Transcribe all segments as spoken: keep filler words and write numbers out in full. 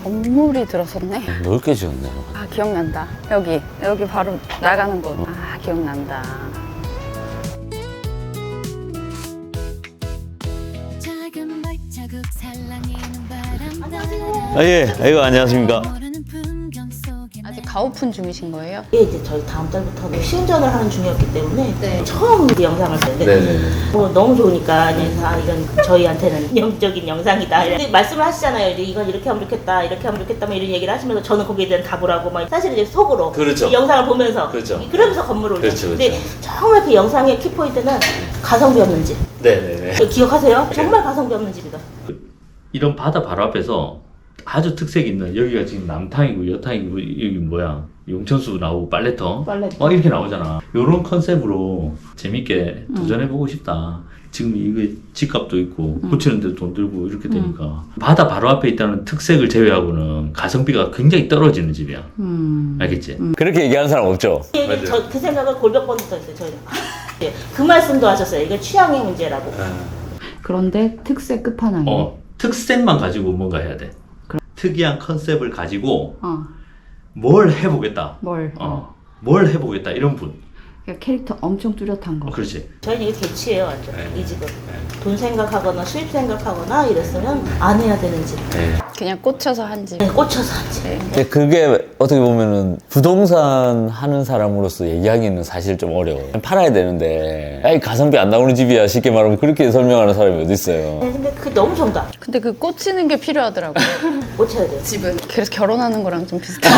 건물이 들어섰네. 넓게 지었네. 아, 기억난다. 여기, 여기 바로 나가는 곳. 아, 기억난다. 아, 예. 아이고, 안녕하십니까. 아직 가오픈 중이신 거예요? 이게 이제 저희 다음 달부터는 시운전을 하는 중이었기 때문에 네. 처음 이 영상을 봤는데 네네. 어, 너무 좋으니까 그래서 아, 이건 저희한테는 영적인 영상이다. 근데 말씀을 하시잖아요. 이제 이건 이렇게 하면 좋겠다, 이렇게 하면 좋겠다, 뭐 이런 얘기를 하시면서 저는 거기에 대한 답을 하고 막 사실 이제 속으로 그렇죠. 이 영상을 보면서 그렇죠. 그러면서 건물을 그렇죠, 올렸어요. 근데 그렇죠. 정말 그 영상의 키포인트는 가성비 없는 집. 네네네. 기억하세요? 정말 가성비 없는 집이다. 이런 바다 바로 앞에서 아주 특색 있는, 여기가 지금 남탕이고 여탕이고 여기 뭐야 용천수 나오고 빨래터 빨래터. 막 이렇게 나오잖아. 이런 컨셉으로 재밌게 도전해보고 싶다. 지금 이게 집값도 있고 고치는데도 돈 들고 이렇게 되니까 바다 바로 앞에 있다는 특색을 제외하고는 가성비가 굉장히 떨어지는 집이야. 음. 알겠지? 그렇게 얘기하는 사람 없죠? 그, 저, 그 생각을 골백 번부터 했어요. 저희는. 예, 그 말씀도 하셨어요. 이게 취향의 문제라고. 그런데 특색 끝판왕이. 어, 특색만 가지고 뭔가 해야 돼. 특이한 컨셉을 가지고 어. 뭘 해보겠다. 뭘? 어, 뭘 해보겠다 이런 분. 그러니까 캐릭터 엄청 뚜렷한 거. 어, 그렇지. 저희는 이게 개치예요, 완전. 네. 이 집은. 돈 생각하거나 수입 생각하거나 이랬으면 안 해야 되는 집. 네. 그냥 꽂혀서 한 집. 네, 꽂혀서 한 집. 네. 근데 그게 어떻게 보면은 부동산 하는 사람으로서 얘기하기는 사실 좀 어려워요. 팔아야 되는데, 아이, 가성비 안 나오는 집이야. 쉽게 말하면 그렇게 설명하는 사람이 어딨어요. 네, 근데 그게 너무 정답. 근데 그 꽂히는 게 필요하더라고요. 꽂혀야 돼요. 집은. 그래서 결혼하는 거랑 좀 비슷해.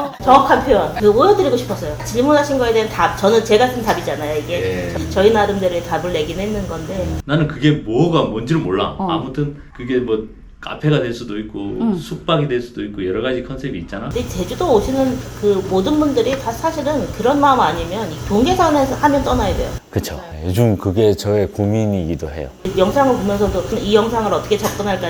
정확한 표현. 그 보여드리고 싶었어요. 질문하신 거에 대한 답. 저는 제가 쓴 답이잖아요, 이게. 예. 저희 나름대로의 답을 내긴 했는 건데. 나는 그게 뭐가 뭔지를 몰라. 어. 아무튼 그게 뭐 카페가 될 수도 있고 숙박이 될 수도 있고 여러 가지 컨셉이 있잖아. 근데 제주도 오시는 그 모든 분들이 다 사실은 그런 마음 아니면 이 돈 계산해서 하면 떠나야 돼요. 그쵸. 요즘 그게 저의 고민이기도 해요. 영상을 보면서도 이 영상을 어떻게 접근할까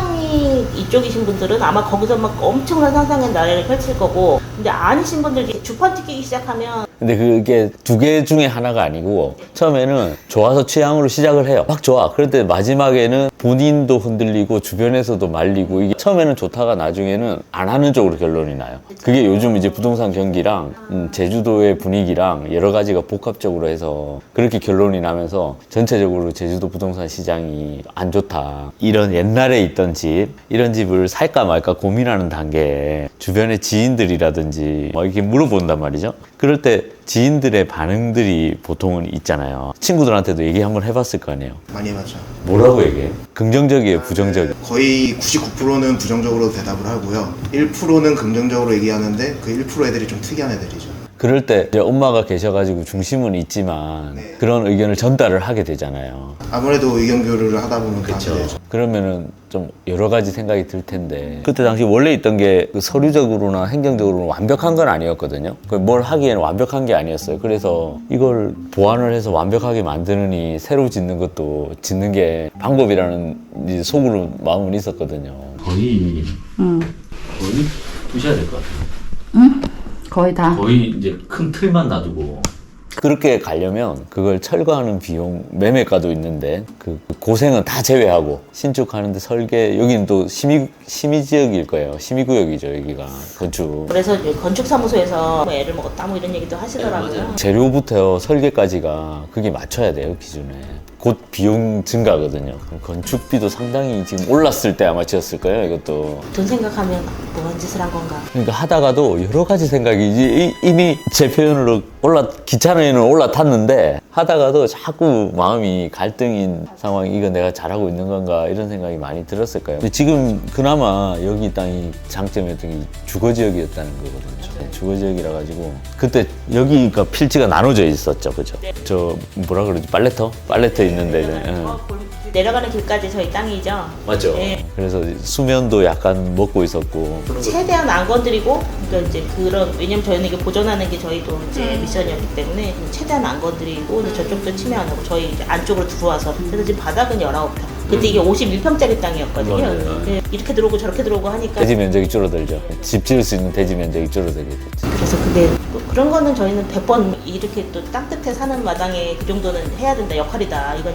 취향이 이쪽이신 분들은 아마 거기서 막 엄청난 상상의 나래를 펼칠 거고 근데 아니신 분들이 주판 튀기기 시작하면 근데 그게 두 개 중에 하나가 아니고 처음에는 좋아서 취향으로 시작을 해요. 막 좋아. 그런데 마지막에는 본인도 흔들리고 주변에서도 말리고 이게 처음에는 좋다가 나중에는 안 하는 쪽으로 결론이 나요. 그게 요즘 이제 부동산 경기랑 음, 제주도의 분위기랑 여러 가지가 복합적으로 해서 그렇게 결론이 나면서 전체적으로 제주도 부동산 시장이 안 좋다. 이런 옛날에 있던 집, 이런 집을 살까 말까 고민하는 단계에 주변의 지인들이라든지 뭐 이렇게 물어본단 말이죠. 그럴 때 지인들의 반응들이 보통은 있잖아요. 친구들한테도 얘기 한번 해봤을 거 아니에요. 많이 해봤죠. 뭐라고 얘기해요? 긍정적이에요, 부정적이에요? 거의 구십구 퍼센트는 부정적으로 대답을 하고요. 일 퍼센트는 긍정적으로 얘기하는데 그 일 퍼센트 애들이 좀 특이한 애들이죠. 그럴 때 이제 엄마가 계셔가지고 중심은 있지만 네. 그런 의견을 전달을 하게 되잖아요. 아무래도 의견 교류를 하다 보면 다 그래요. 그러면은 좀 여러 가지 생각이 들 텐데 그때 당시 원래 있던 게그 서류적으로나 행정적으로는 완벽한 건 아니었거든요. 그 뭘 하기에는 완벽한 게 아니었어요. 그래서 이걸 보완을 해서 완벽하게 만드느니 새로 짓는 것도 짓는 게 방법이라는 이제 속으로 마음은 있었거든요. 거의 응. 거의 부셔야 될 것 같아. 응? 거의 다. 거의 이제 큰 틀만 놔두고. 그렇게 가려면 그걸 철거하는 비용 매매가도 있는데 그 고생은 다 제외하고 신축하는데 설계 여기는 또 심의 심의 지역일 거예요. 심의 구역이죠 여기가 건축. 그래서 이제 건축사무소에서 뭐 애를 먹었다 뭐 이런 얘기도 하시더라고요. 재료부터 설계까지가 그게 맞춰야 돼요 기준에. 곧 비용 증가거든요. 건축비도 상당히 지금 올랐을 때 아마 지었을 거예요 이것도. 돈 생각하면 뭔 짓을 한 건가. 그러니까 하다가도 여러 가지 생각이 이제 이미 제 표현으로 올라 기차에는 올라탔는데 하다가도 자꾸 마음이 갈등인 상황이 이거 내가 잘하고 있는 건가 이런 생각이 많이 들었을 거예요. 근데 지금 그나마 여기 땅이 장점이었던 게 주거지역이었다는 거거든요. 네, 주거지역이라 가지고 그때 여기가 필지가 나눠져 있었죠, 그죠? 저 뭐라 그러지 빨래터? 빨래터 있는데 응. 내려가는 길까지 저희 땅이죠. 맞죠. 네. 그래서 수면도 약간 먹고 있었고. 최대한 안 건드리고 그러니까 이제 그런 왜냐면 저희는 이게 보존하는 게 저희도 이제 미션이었기 때문에 최대한 안 건드리고 이제 저쪽도 침해 안 하고 저희 이제 안쪽으로 들어와서 그래서 지금 바닥은 열아홉 평. 그때 이게 오십일 평짜리 땅이었거든요. 맞아요. 네, 이렇게 들어오고 저렇게 들어오고 하니까 대지 면적이 줄어들죠. 집 지을 수 있는 대지 면적이 줄어들게 됐죠. 그래서 근데 또 그런 거는 저희는 백 번 이렇게 또 땅끝에 사는 마당에 그 정도는 해야 된다 역할이다 이건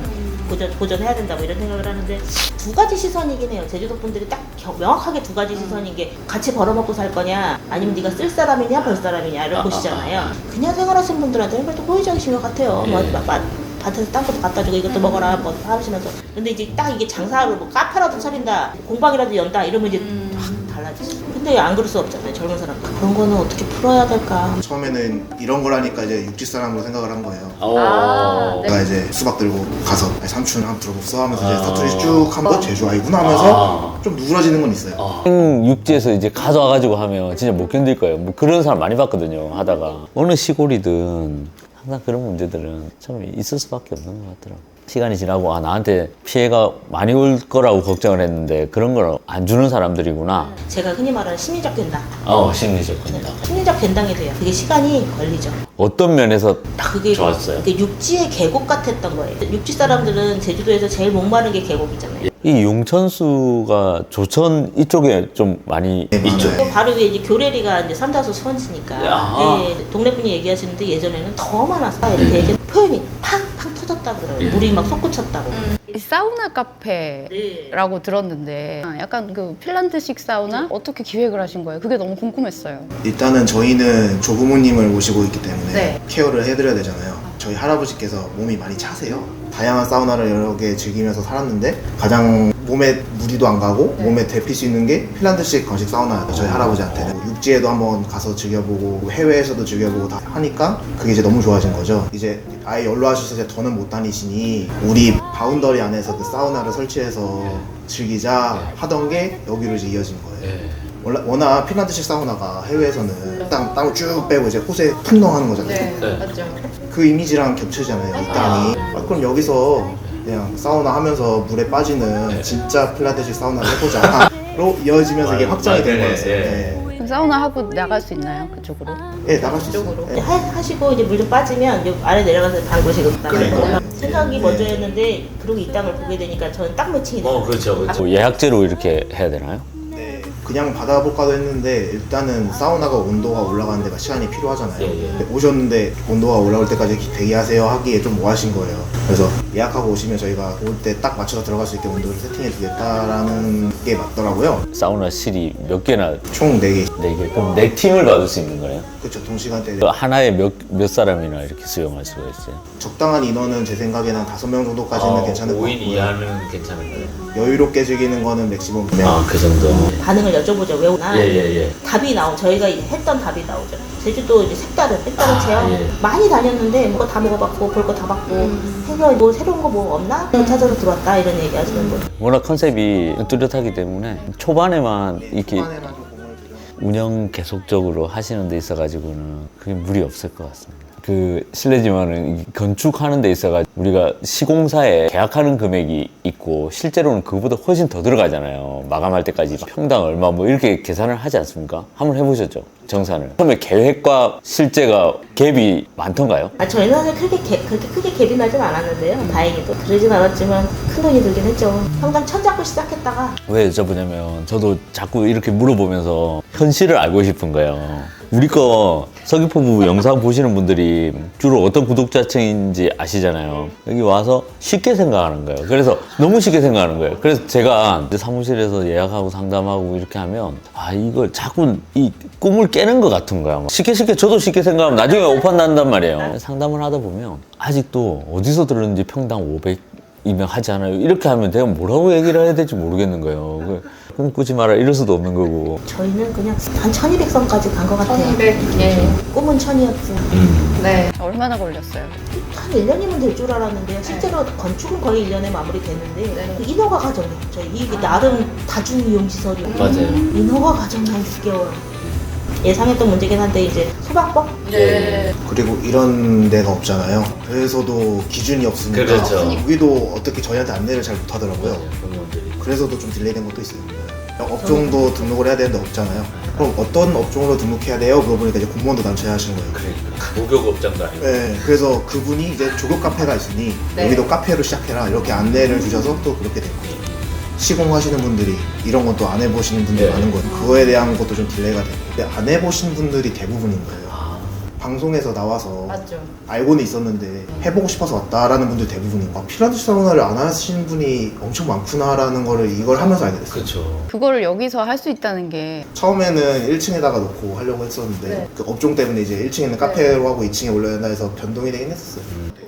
보존, 보존해야 된다 뭐 이런 생각을 하는데 두 가지 시선이긴 해요. 제주도 분들이 딱 겨- 명확하게 두 가지 시선인 게 같이 벌어먹고 살 거냐 아니면 네가 쓸 사람이냐 벌 사람이냐를 아, 보시잖아요. 그냥 생활하시는 분들한테는 그래도 호의적이신 것 같아요. 뭐, 마- 마- 밭에서 딴 것도 갖다 주고 이것도 먹어라 뭐 하시면서 근데 이제 딱 이게 장사로 뭐 카페라도 차린다 공방이라도 연다 이러면 이제 확 달라지죠. 근데 안 그럴 수 없잖아요. 젊은 사람들 그런 거는 어떻게 풀어야 될까. 처음에는 이런 걸 하니까 이제 육지 사람으로 생각을 한 거예요. 아, 네. 제가 이제 수박 들고 가서 아니, 삼촌 한번 들어봅서 하면서 이제 아. 사투리 쭉 하면서 제주 아이구나 하면서 좀 누그러지는 건 있어요. 생 육지에서 이제 가져와가지고 하면 진짜 못 견딜 거예요. 뭐 그런 사람 많이 봤거든요. 하다가 어느 시골이든 항상 그런 문제들은 참 있을 수밖에 없는 것 같더라고. 시간이 지나고 아 나한테 피해가 많이 올 거라고 걱정을 했는데 그런 걸 안 주는 사람들이구나. 제가 흔히 말하는 심리적 괜당. 어, 심리적 건강. 심리적 괜당이 돼요. 그게 시간이 걸리죠. 어떤 면에서 그게 좋았어요? 그게 육지의 계곡 같았던 거예요. 육지 사람들은 제주도에서 제일 목마른 게 계곡이잖아요. 이 용천수가 조천 이쪽에 좀 많이 네, 있죠. 맞아요. 또 바로 위에 이제 교래리가 이제 삼다수 수원지니까 야. 네, 동네 분이 얘기하시는데 예전에는 더 많았어. 이렇게 얘기 표현이 팡팡 터졌다 그래요. 물이 막 솟구쳤다고. 이 사우나 카페라고 네. 들었는데 아, 약간 그 핀란드식 사우나 어떻게 기획을 하신 거예요? 그게 너무 궁금했어요. 일단은 저희는 조부모님을 모시고 있기 때문에 네. 케어를 해드려야 되잖아요. 저희 할아버지께서 몸이 많이 차세요. 다양한 사우나를 여러 개 즐기면서 살았는데 가장 몸에 무리도 안 가고 네. 몸에 데필 수 있는 게 핀란드식 건식 사우나였어요. 저희 할아버지한테는 육지에도 한번 가서 즐겨보고 해외에서도 즐겨보고 다 하니까 그게 이제 너무 좋아진 거죠. 이제 아예 연로하셔서 이제 더는 못 다니시니 우리 바운더리 안에서 그 사우나를 설치해서 즐기자 하던 게 여기로 이제 이어진 거예요. 원래- 워낙 핀란드식 사우나가 해외에서는 땀, 땀을 쭉 빼고 이제 옷에 풍덩하는 거잖아요. 맞죠. 그 이미지랑 겹치잖아요, 이 땀이. 아, 그럼 여기서 그냥 사우나 하면서 물에 빠지는 진짜 핀란드식 사우나를 해보자로 이어지면서 이게 확장이 된 거였어요. 네. 그럼 사우나 하고 나갈 수 있나요? 그쪽으로? 네, 나갈 수 있어요. 이제 네. 하, 하시고 이제 물 좀 빠지면 이제 아래 내려가서 방구식으로 나가는 그러니까요. 거예요. 생각이 네. 먼저였는데 그러고 이 땅을 보게 되니까 저는 딱 매칭이 돼요. 그렇죠. 예약제로 이렇게 해야 되나요? 네, 그냥 받아볼까도 했는데 일단은 사우나가 온도가 올라가는 데가 시간이 필요하잖아요. 근데 오셨는데 온도가 올라올 때까지 대기하세요 하기에 좀 뭐하신 거예요. 그래서 예약하고 오시면 저희가 올 때 딱 맞춰서 들어갈 수 있게 온도를 세팅해 주겠다라는 게 맞더라고요. 사우나실이 몇 개나 총 네 개. 네 개. 그럼 네 팀을 받을 수 있는 거예요? 그렇죠. 동시간대. 그 하나에 몇, 몇 사람이나 이렇게 수용할 수가 있어요? 적당한 인원은 제 생각에는 한 다섯 명 정도까지는 괜찮을 것 같고요. 괜찮은 거예요? 여유롭게 즐기는 거는 맥시멈 두 명. 아, 그 정도. 반응을 여쭤보죠. 왜 오나? 예, 예, 예. 답이 나오. 저희가 이제 했던 답이 나오죠. 제주도 이제 색다른 색다른 아, 체험 예. 많이 다녔는데 뭐 다 먹어봤고 볼 거 다 봤고 해서 뭐 새로운 거 뭐 없나? 찾아서 들어왔다 이런 얘기 하시는 분. 워낙 컨셉이 뚜렷하기 때문에 초반에만 이렇게 초반에만 좀 공을 들여. 운영 계속적으로 하시는 데 있어가지고는 그게 무리 없을 것 같습니다. 그 실례지만은 이 건축하는 데 있어가 우리가 시공사에 계약하는 금액이 있고 실제로는 그거보다 훨씬 더 들어가잖아요. 마감할 때까지 평당 얼마 뭐 이렇게 계산을 하지 않습니까? 한번 해보셨죠? 정산을. 처음에 계획과 실제가 갭이 많던가요? 아, 저희는 사실 크게 개- 그렇게 크게 갭이 나진 않았는데요. 다행히도 그러진 않았지만 큰 돈이 들긴 했죠. 평당 천 잡고 시작했다가 왜 여쭤보냐면 저도 자꾸 이렇게 물어보면서 현실을 알고 싶은 거예요. 우리 거 서귀포부 영상 보시는 분들이 주로 어떤 구독자층인지 아시잖아요. 여기 와서 쉽게 생각하는 거예요. 그래서 너무 쉽게 생각하는 거예요. 그래서 제가 이제 사무실에서 예약하고 상담하고 이렇게 하면 아 이걸 자꾸 이 꿈을 깨는 것 같은 거야. 막 쉽게 쉽게 저도 쉽게 생각하면 나중에 오판 난단 말이에요. 상담을 하다 보면 아직도 어디서 들었는지 평당 오백이면 하지 않아요. 이렇게 하면 내가 뭐라고 얘기를 해야 될지 모르겠는 거예요. 그 꿈꾸지 마라 이럴 수도 없는 거고. 저희는 그냥 한 천이백 선까지 간 것 같아요. 예. 꿈은 천이었지. 네. 얼마나 걸렸어요? 한 일 년이면 될 줄 알았는데요. 실제로 건축은 거의 일 년에 마무리됐는데 네. 그 인허가 과정이에요. 저희 이게 나름 다중이용시설이고 맞아요. 인허가 과정이 한 육 개월. 예상했던 문제긴 한데 이제 소방법? 네. 그리고 이런 데가 없잖아요. 그래서도 기준이 없으니까 그렇죠. 여기도 어떻게 저희한테 안내를 잘 못하더라고요. 그래서도 좀 딜레이된 것도 있어요. 업종도 등록을 해야 되는데 없잖아요. 그럼 어떤 업종으로 등록해야 돼요? 물어보니까 이제 공무원도 난처해 하시는 거예요. 목욕업장도 아니고. 네, 그래서 그분이 이제 조교 카페가 있으니 네. 여기도 카페로 시작해라 이렇게 안내를 주셔서 또 그렇게 된 거죠. 시공하시는 분들이 이런 건 또 안 해보시는 분들이 네. 많은 거예요. 그거에 대한 것도 좀 딜레이가 되고 근데 안 해보신 분들이 대부분인 거예요. 방송에서 나와서 맞죠. 알고는 있었는데 해보고 싶어서 왔다라는 분들 대부분이고 아, 핀란드 사우나를 안 하시는 분이 엄청 많구나라는 거를 이걸 하면서 알게 됐어요. 그렇죠. 그거를 여기서 할 수 있다는 게 처음에는 일 층에다가 놓고 하려고 했었는데 네. 그 업종 때문에 이제 일 층에 있는 카페로 하고 이 층에 올려야 된다 해서 변동이 되긴 했었어요.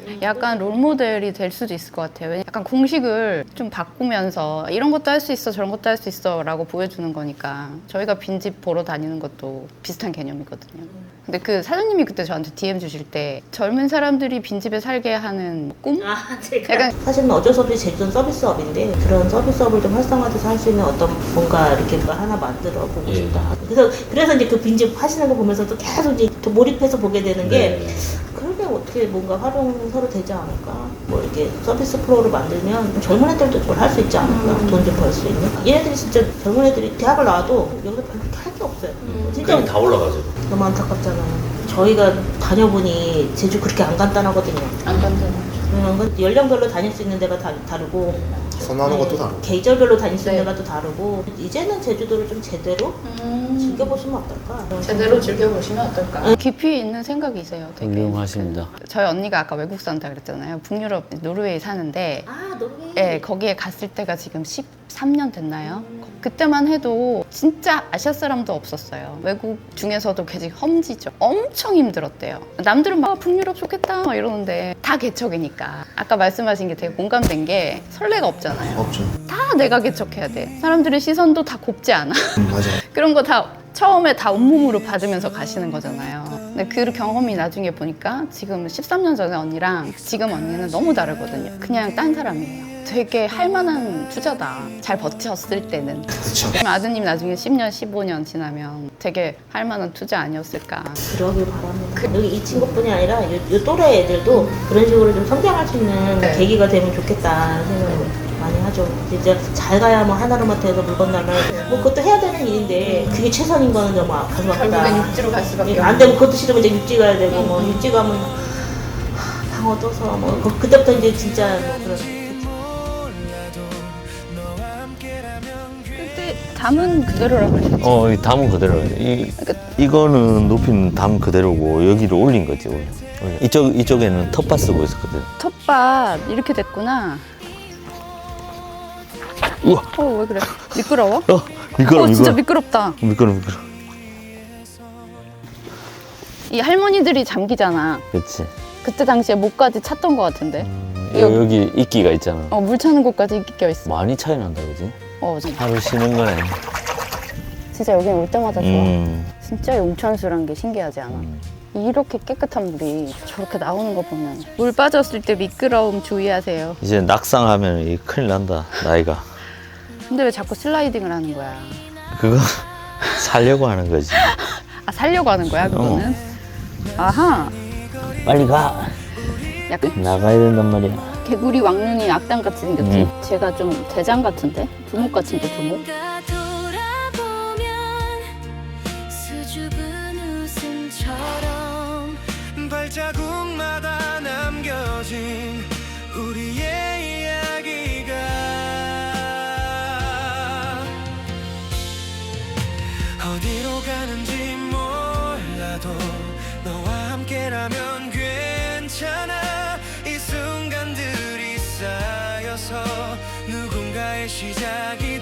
약간 롤모델이 될 수도 있을 것 같아요. 왜냐면 약간 공식을 좀 바꾸면서 이런 것도 할 수 있어 저런 것도 할 수 있어 라고 보여주는 거니까 저희가 빈집 보러 다니는 것도 비슷한 개념이거든요. 근데 그 사장님이 그때 저한테 디엠 주실 때 젊은 사람들이 빈집에 살게 하는 꿈? 아, 제가 약간 사실은 어쩔 수 없이 제주도는 서비스업인데 그런 서비스업을 좀 활성화돼서 할 수 있는 어떤 뭔가 이렇게 뭐 하나 만들어 보고 예. 싶다. 그래서 그래서 이제 그 빈집 하시는 거 보면서도 계속 이제 또 몰입해서 보게 되는 게 네. 그러게 어떻게 뭔가 활용 서로 되지 않을까? 뭐 이렇게 서비스 프로를 만들면 젊은 애들도 그걸 할 수 있지 않을까? 돈 좀 벌 수 있는? 얘네들이 진짜 젊은 애들이 대학을 나와도 여기서 별로 할 게 없어요. 진짜 그게 다 올라가죠. 너무 안타깝잖아요. 저희가 다녀보니 제주 그렇게 안 간단하거든요. 안 간다는 음, 연령별로 다닐 수 있는 데가 다, 다르고 선호하는 네, 것도 다르고 계절별로 다닐 수 있는 네. 데가 또 다르고 이제는 제주도를 좀 제대로 즐겨보시면 어떨까? 음. 제대로 즐겨보시면 어떨까? 깊이 있는 생각이세요. 되게. 훌륭하십니다. 그, 저희 언니가 아까 외국 산다 그랬잖아요. 북유럽 노르웨이 사는데 아 노르웨이. 네, 거기에 갔을 때가 지금 십삼 년 됐나요? 그때만 해도 진짜 아시아 사람도 없었어요. 외국 중에서도 되게 험지죠. 엄청 힘들었대요. 남들은 막 아, 북유럽 좋겠다 막 이러는데 다 개척이니까. 아까 말씀하신 게 되게 공감된 게 설레가 없잖아요. 없죠. 다 내가 개척해야 돼. 사람들의 시선도 다 곱지 않아. 음, 맞아요. 그런 거 다 처음에 다 온몸으로 받으면서 가시는 거잖아요. 근데 그 경험이 나중에 보니까 지금 십삼 년 전에 언니랑 지금 언니는 너무 다르거든요. 그냥 딴 사람이에요. 되게 할 만한 투자다. 잘 버텼을 때는. 그렇죠. 아드님 나중에 십 년, 십오 년 지나면 되게 할 만한 투자 아니었을까. 그러길 바랍니다. 여기 이 친구뿐이 아니라 요, 요 또래 애들도 그런 식으로 좀 성장할 수 있는 네. 계기가 되면 좋겠다는 생각을 많이 하죠. 진짜 잘 가야 뭐 하나로마트에서 물건 나면 뭐 그것도 해야 되는 일인데 그게 최선인 거는 너무 가슴 아프다. 육지로 갈 수밖에 안 되면 그것도 싫으면 이제 육지 가야 되고 뭐 육지 가면 방어 떠서 뭐 그, 그때부터 이제 진짜 뭐 그런. 그때 담은 그대로라고 그랬죠. 어, 이 담은 그대로. 이, 이거는 높이는 담 그대로고 여기를 올린 거지. 올려. 올려. 이쪽 이쪽에는 텃밭 쓰고 있었거든. 텃밭 이렇게 됐구나. 우와. 어, 왜 그래? 미끄러워? 어, 미끄러, 어, 진짜 미끄러. 미끄럽다. 미끄러, 미끄러. 이 할머니들이 잠기잖아. 그렇지. 그때 당시에 목까지 찼던 것 같은데. 여, 여기- 여기 이끼가 있잖아. 어, 물 차는 곳까지 이끼 껴있어. 많이 차이 난다, 그지? 어, 진짜. 하루 쉬는 거네. 진짜 여기 올 때마다 좋아. 음. 진짜 용천수란 게 신기하지 않아? 이렇게 깨끗한 물이 저렇게 나오는 거 보면 물 빠졌을 때 미끄러움 주의하세요. 이제 낙상하면 이 큰일 난다, 나이가. 근데 왜 자꾸 슬라이딩을 하는 거야? 그거 살려고 하는 거지. 아, 살려고 하는 거야, 그거는? 아하. 빨리 가. 약간 나가야 된단 말이야. 개구리 왕눈이 악당같이 생겼지? 음. 제가 좀 대장 같은데? 두목 같은데, 두목? 돌아보면 수줍은 웃음처럼 발자국마다 남겨진 우리의 이야기가 어디로 가는지 몰라도 너와 함께라면 괜찮아. 이 순간들이 쌓여서 누군가의 시작이